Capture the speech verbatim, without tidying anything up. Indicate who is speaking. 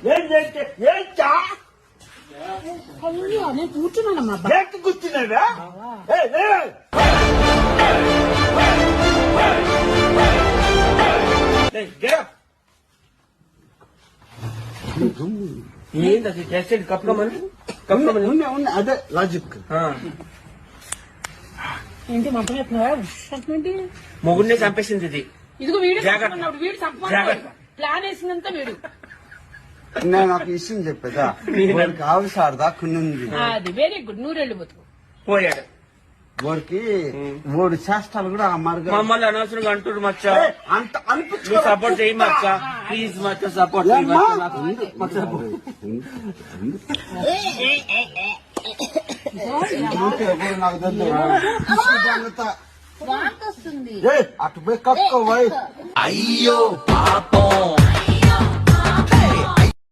Speaker 1: నేను కూర్చున్నానమ్మా.
Speaker 2: కూర్చున్నావా?
Speaker 3: ఏంది అది చేసేది? కప్పుకోమని కప్పుకోమని
Speaker 2: అదే లాజిక్.
Speaker 1: ఏంటి మంటలు చెప్తున్నావా?
Speaker 3: మొగుడినే చంపేసింది ఇది.
Speaker 1: ఇదిగో వీడు
Speaker 3: జాగ్రత్త.
Speaker 1: వీడు చంపమన్నాడు. ప్లాన్ వేసిందంతా వీడు.
Speaker 2: నేను ఒక విషయం చెప్పేదా, వాడికి ఆవిసారు దాక్కునుంది.
Speaker 1: అది వెరీ గుడ్. నూరెళ్ళు బతుకు.
Speaker 3: పోయాడు
Speaker 2: వాడికి వాడు చేష్టాలు కూడా ఆ మార్గం.
Speaker 3: మమ్మల్ని అనవసరంగా అంటుడు మచ్చ.
Speaker 2: అంత అనిపించు
Speaker 3: సపోర్ట్ చేయి మచ్చ, ప్లీజ్ మచ్చ సపోర్ట్ చేయి మచ్చ.
Speaker 2: నాకు తెలుసు
Speaker 1: వాంతి వస్తుంది.
Speaker 2: అటు పోయి కప్పుకోవాలి.
Speaker 4: అయ్యో పాపం.